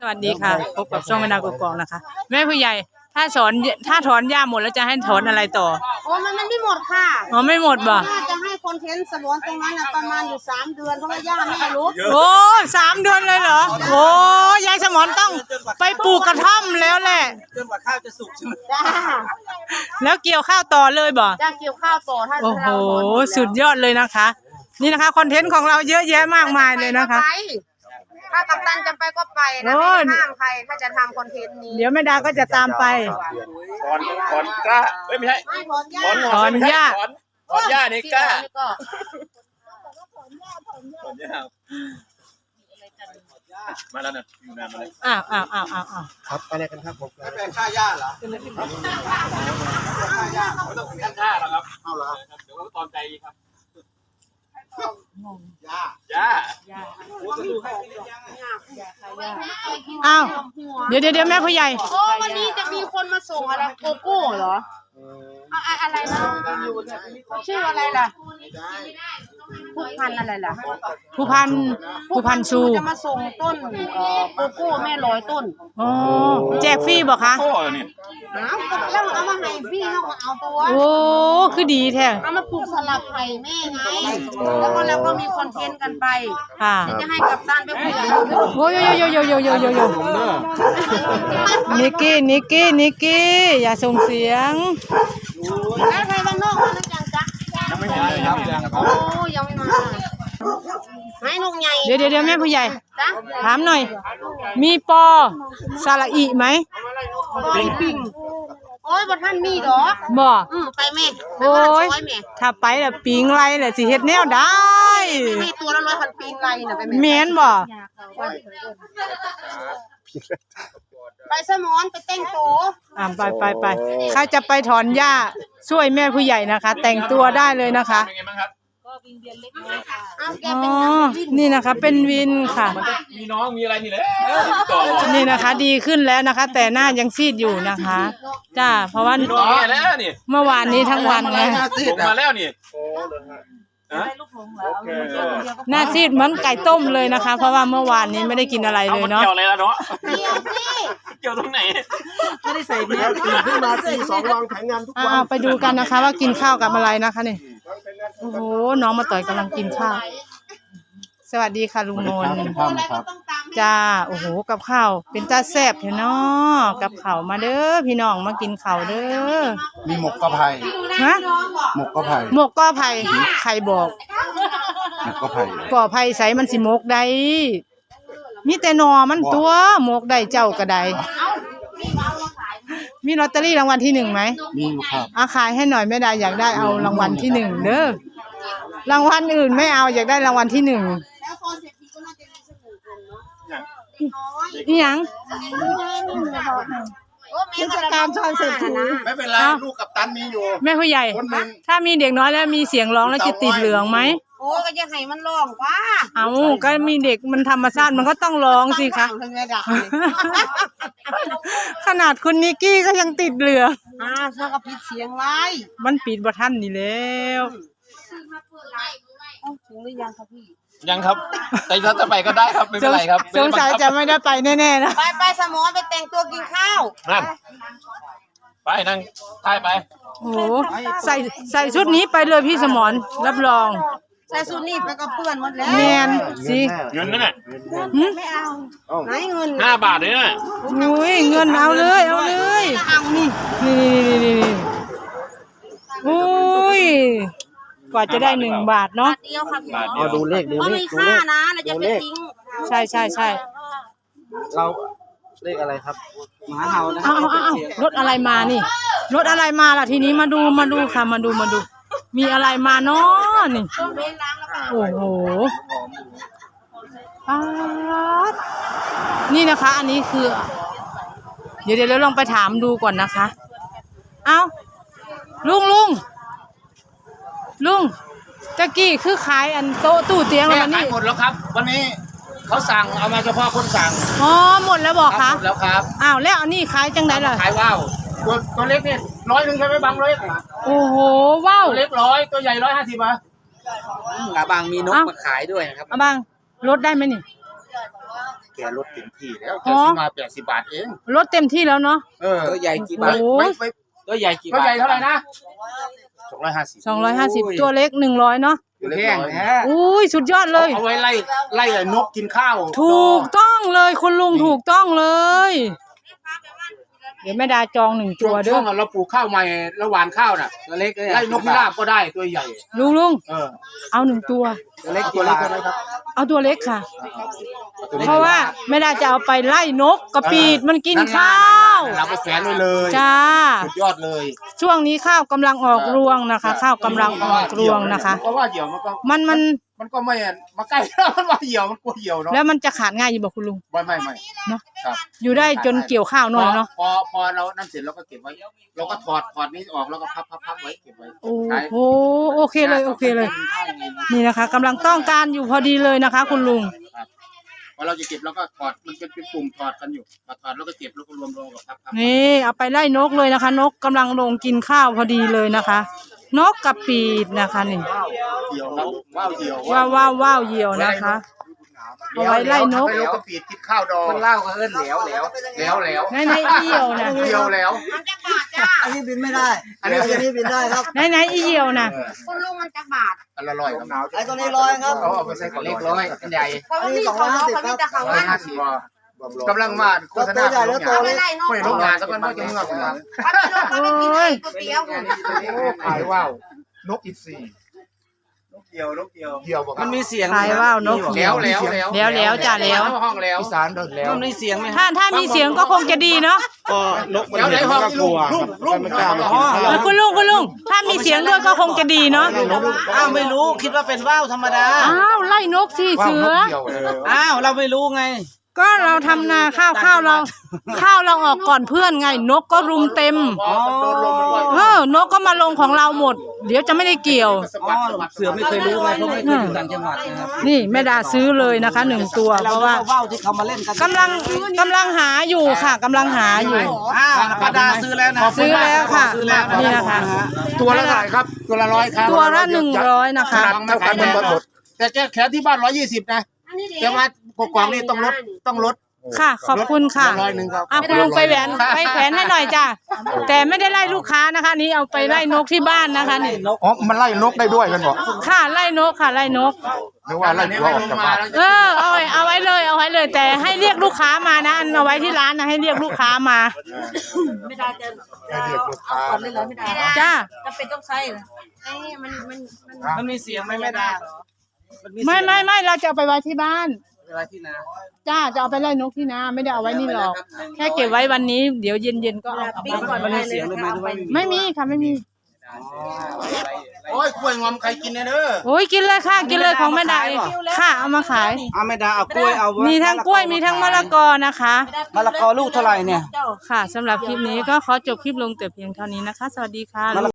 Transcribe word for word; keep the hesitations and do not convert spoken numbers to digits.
สวัสดีค่ะพบกับช่องแม่นางกกอกนะคะแม่ผู้ใหญ่ถ้าสอนถ้าถอนหญ้าหมดแล้วจะให้ถอนอะไรต่อโอ้มันมันไม่หมดค่ะอ๋อไม่หมดบ่น่าจะให้คอนเทนต์สมวนตรงนั้นนะประมาณอยู่สามเดือนเพราะว่าหญ้าไม่รู้โอ้สามเดือนเลยเหรอโอ้ยายสมอนต้องไปปลูกกระท่อมแล้วแหละจนกว่าข้าวจะสุกใช่ไหมจ้าแล้วเกี่ยวข้าวต่อเลยบ่จ้าเกี่ยวข้าวต่อถ้าโอ้โหสุดยอดเลยนะคะนี่นะคะคอนเทนต์ของเราเยอะแยะมากมายเลยนะคะถ้ากัปตันจะไปก็ไปนะไม่ห้ามใครถ้าจะทำคอนเทนต์นี้เดี๋ยวแม่ดาก็จะตามไปถอนถอนกล้าไม่ใช่ถอนหญ้าถอนหญ้าถอนหญ้านี่กล้ามาแล้วเนี่ยอยู่นานมาเลยอ้าวอ้าวอ้าวอ้าวครับไปไหนกันครับผมไปแปลงค่าหญ้าเหรอค่าหญ้าเขาต้องเป็นค่าเหรอครับเอาเหรอเดี๋ยวตอนใจครับหญ้าหญ้าหญ้าอ้าวเดี๋ยวเดี๋ยวเดี๋ยวแม่ผู้ใหญ่โอ้วันนี้จะมีคนมาส่งอะไรโกโก้เหรออะไรนะชื่ออะไรล่ะผู้พันอะไรล่ะผู้พันผู้พันชูจะมาส่งต้นโกโก้แม่ร้อยต้นอ๋อแจกฟรีบ่คะโอ้นี่เอาแล้วเอามาให้ฟรีเขาก็เอาตัวโอ้คือดีแท้เอามาปลูกสลับไผ่แม่ไงแล้วก็แล้วก็มีคอนเทนต์กันไปค่ะจะให้กัปตันไปคุยโอ้ยโยโยโยโยโยโยโยนิกกี้นิกกี้นิกกี้อย่าส่งเสียงแล้วใครบ้านนอกมาแล้วจังจ๊ะยังไม่มาเลยครับยังครับโอ้ยังไม่มาให้นกใหญ่เดี๋ยวเดี๋ยวแม่ผู้ใหญ่ถามหน่อยมีปอสระอีไหมปิงปิงโอ้ยบ่ท่านมีดอกบ่อืมไปแม่โอ้ยถ้าไปแล้วปิงไรแหละสิเฮ็ดแนวได้ให้ตัวละร้อยพันปิงไรน่ะไปแม่แม่นบ่ไปสมอนไปแต่งตัวอ่าไปไปไปใครจะไปถอนหญ้าช่วยแม่ผู้ใหญ่นะคะแต่งตัวได้เลยนะคะเป็นไงบ้างครับก็วินเวียนเล็กน้อยค่ะอ๋อนี่นะคะเป็นวินค่ะมีน้องมีอะไรนี่แหละนี่นะคะดีขึ้นแล้วนะคะแต่หน้ายังซีดอยู่นะคะจ้าเพราะว่าเมื่อวานนี้ทั้งวันนะมาแล้วนี่หน้าซีดเหมือนไก่ต้มเลยนะคะเพราะว่าเมื่อวานนี้ไม่ได้กินอะไรเลยเนาะเกี่ยวอะไรล่ะเนาะเกี่ยวสิเกี่ยวตรงไหนไม่ได้ใส่เนื้อตื่นขึ้นมาตีสองวางแผนงานทุกวันไปดูกันนะคะว่ากินข้าวกับอะไรนะคะนี่โอ้โหน้องมาต่อยกำลังกินข้าวสวัสดีค่ะลุงนนท์จ้าโอ้โหกับข้าวเป็นตาแซ่บเนาะกับข้าวมาเด้อพี่น้องมากินข้าวเด้อมีหมกกระไผ่ฮะหมกกระไผ่หมกกระไผ่ใครบอกหมกกระไผ่กระไผ่ใส่มันสิหมกได้มีแต่นอมันตัวหมกได้เจ้าก็ได้มีลอตเตอรี่รางวัลที่หนึ่งไหมมีครับอาขายให้หน่อยไม่ได้อยากได้เอารางวัลที่หนึ่งเด้อรางวัลอื่นไม่เอาอยากได้รางวัลที่หนึ่งนี่ยังเทศกาลชอนเศรษฐีไม่เป็นไรลูกกับตันมีอยู่แม่ผู้ใหญ่ถ้ามีเด็กน้อยแล้วมีเสียงร้องแล้วจะติดเหลืองไหมโอ้ก็จะให้มันร้องว่าเอาก็มีเด็กมันธรรมชาติมันก็ต้องร้องสิคะขนาดคุณนิกกี้ก็ยังติดเหลืองอ่าเธอก็ปิดเสียงไว้มันปิดบ่ทันนี่แล้วถึงหรือยังครับพี่ยังครับแต่ถ้าจะไปก็ได้ครับไม่เป็นไรครับสงสัยจะไม่ได้ไปแน่ๆนะไปไปสมอไปแต่งตัวกินข้าวนั่นไปนั่งไปไปโอ้ใส่ใส่ชุดนี้ไปเลยพี่สมรรับรองใส่ชุดนี้ไปก็เปื้อนหมดแล้วแมนสิเงินนั่นแหละไม่เอาไหนเงินห้าบาทเลยนะอุ้ยเงินเอาเลยเอาเลยนี่นี่นี่นี่นี่โอ้ยกว่าจะได้หนึ่งบาทเนาะเดียวค่ะพี่เอาดูเลขดูเลขมีค่านะเราจะไปทิ้งใช่ใช่ใช่เราเลขอะไรครับหมาเห่านะเอาเอาเอารถอะไรมานี่รถอะไรมาล่ะทีนี้มาดูมาดูค่ะมาดูมาดูมีอะไรมาเนาะนี่โอ้โหนี่นะคะอันนี้คือเดี๋ยวเดี๋ยวลองไปถามดูก่อนนะคะเอาลุงลุงลุงตะกี้คือขายอันโต๊ะตู้เตียงแล้วนี่หมดแล้วครับวันนี้เขาสั่งเอามาเฉพาะคนสั่งอ๋อหมดแล้วบอกคะหมดแล้วครับอ้าวแล้วอันนี้ขายจังไดล่ะขายว้าวตัวตัวเล็กนี่ร้อยหนึ่งใช่ไหมบางร้อยโอ้โหว้าวตัวเล็กร้อยตัวใหญ่ร้อยห้าสิบอ่ะกะบางมีนกมาขายด้วยนะครับอ่ะบางลดได้ไหมนี่เกลดเต็มที่แล้วแกซื้อมาแปดสิบบาทเองลดเต็มที่แล้วเนาะเออตัวใหญ่กี่โอ้บาทโหไม่ไม่ตัวใหญ่กี่ตัวบาทใหญ่เท่าไหร่นะสองร้อยห้าสิบสองร้อยห้าสิบตัวเล็กหนึ่งร้อยเนาะตัวเล็กแห้งร้อยแท้อุ้ยสุดยอดเลยเอาไว้ไล่ไล่ไอ้นกกินข้าวถูกต้องเลยคุณลุงถูกต้องเลย เดี๋ยวแม่ดาจองหนึ่งช่ตัว วงเด้ช่วองเราปลูกข้าวใหม่ระหว่างข้าวน่ะตัวเล็กเลยไล่นกพิราบก็ได้ตัวใหญ่ลุงลุงเออเอาหนึ่งตัวตัวเล็กตักี่วเล็กบาทเท่าไหร่ครับเอาตัวเล็กค่ะตัวล็กเพราะว่าแม่ดาจะเอาไปไล่นกกระปีดมันกินข้าวเราไปแขวนไว้เลยจ้าสุดยอดเลยช่วงนี้ข้าวกำลังออกรวงนะคะ ข้าวกำลังออกรวงนะคะเพราะว่าเหยี่ยวมันก็มันมันมันก็ไม่มาใกล้ มันว่าเหยี่ยวมันกลัวเหยี่ยวเนาะแล้วมันจะขาดง่ายอยู่บอกคุณลุงไม่ไม่ไม่เนาะครับอยู่ได้จนเกี่ยวข้าวหน่อยเนาะพอพอเรานั่นเสร็จเราก็เก็บไว้เราก็ถอดถอดนี้ออกแล้วก็พับพับพับไว้เก็บไว้โอ้ใช้โหโอเคเลยโอเคเลย นี่นะคะกำลังต้องการอยู่พอดีเลยนะคะ คุณลุงครับพอเราจะเก็บเราก็ถอดมันเป็นเป็นปุ่มถอดกันอยู่พอถอดแล้วก็เก็บแล้วก็รวมรวมกับพับพับนี่เอาไปไล่นกเลยนะคะ นกกำลังลงกินข้าวพอดีเลยนะคะ นกกระปีดนะคะนี่เหยี่ยวครับว้าวเหยี่ยวว้าวว้าวว้าวเหยี่ยวนะคะ เอาไว้ไล่นกไล่นกกระปีดกินข้าวดองคนเล่าก็เอิ้นแหลวแหลวแล้วแล้วในในอีเหยี่ยวนะเหยี่ยวแล้วมันจะบาดจ้าอันนี้บินไม่ได้อันนี้อันนี้บินได้ครับในในอีเหยี่ยวนะคุณลุงมันจะบาดอันละร้อยครับไอ้ตัวนี้ร้อยครับเอาเอาไปใส่กระเล็เล็กกร้ร้ออย ยอันใหญ่เพราะว่าพี่เขาเขาพี่จะเขาร้อยว่าห้าสิบกำลังมาโฆษณาตัวใหญ่แล้วตัวเล็กไล่นกไม่ลงงานสักวันก็จะเมื่อกันเขาไม่กินก๋วยเตี๋ยวคุณขายว่าวนกอินทรีนกเกี่ยวนกเกี่ยวเกี่ยวบอกมันมีเสียงตายว่าว นกแล้วแล้วแล้วแล้วแล้วจ้ะแล้วห้องแล้วอีสานแล้วมันมีเสียงไหมถ้าถ้ามีเสียงก็คงจะดีเนาะนกแล้วไหนห้องลุงลุงลุงไม่กล้ามาเออคุณลุงคุณลุงถ้ามีเสียงด้วยก็คงจะดีเนาะอ้าวไม่รู้คิดว่าเป็นว่าวธรรมดาอ้าวไล่นกสิเสืออ้าวเราไม่รู้ไงก็เราทำนาข้าวข้าวเรา ข้าวเราออกก่อนเพื่อนไง นกก็รุมเต็มโดนลมมันเออนกก็มาลงของเราหมด เดี๋ยวจะไม่ได้เกี่ยวอ๋อเสือไม่เคยรู้ไงเพราะไม่เคยอยู่ต่างจังหวัดนะครับนี่แม่ดาซื้อเลยนะคะหนึ่งตัว เพราะว่าว่าวที่เขามาเล่นกันกำลังกำลังหาอยู่ค่ะกำลังหาอยู่อ้าวป้าดาซื้อแล้วนะซื้อแล้วค่ะซื้อแล้วนี่นะคะตัวละเท่าไหร่ครับ ตัวละร้อยครับตัวละหนึ่งร้อยนะคะเท่ากันมันหมดแต่แกแขนที่บ้านร้อยยี่สิบนะแต่ว่ากกวางนี่ต้องลดต้องลดค่ะ ขอบคุณค่ะร้อยหนึ่งครับอ่ะคุณลุงไปแหวนไปแขวนให้หน่อยจ้ะแต่ไม่ได้ไล่ลูกค้านะคะ นี่เอาไปไล่นกที่บ้านนะคะนี่อ๋อมันไล่นกได้ด้วยกันบอกค่ะไล่นกค่ะไล่นกนึกว่าไล่ตัวออกจากบ้านเออเอาไว้เอาไว้เลยเอาไว้เลย แต่ให้เรียกลูกค้ามานะอันเอาไว้ที่ร้านนะให้เรียกลูกค้ามาไม่ได้จะให้เรียกลูกค้าก่อนเลยเหรอไม่ได้จ้าจำเป็นต้องใช้เหรอไอ้นี่มันมันมันมันมีเสียงไหมแม่ดาไม่ไม่ไม่เราจะเอาไปไว้ที่บ้านเวลาที่นาจ้าจะเอาไปไล่นกที่นาไม่ได้เอาไว้นี่หรอกแค่เก็บไว้วันนี้เดี๋ยวเย็นเย็นๆก็เอากลับบ้านมันมีเสียงเลยไหมหรือว่าไม่มีค่ะไม่มีโอ้ยกล้วยงอมใครกินเนี่ยเด้อโอ้ยกินเลยค่ะกินเลยของแม่ดาเองค่ะเอามาขายเอาแม่ดาเอากล้วยเอามีมีทั้งกล้วยมีทั้งมะละกอนะคะมะละกอลูกเท่าไหร่เนี่ยค่ะสำหรับคลิปนี้ก็ขอจบคลิปลงแต่เพียงเท่านี้นะคะ สวัสดีค่ะ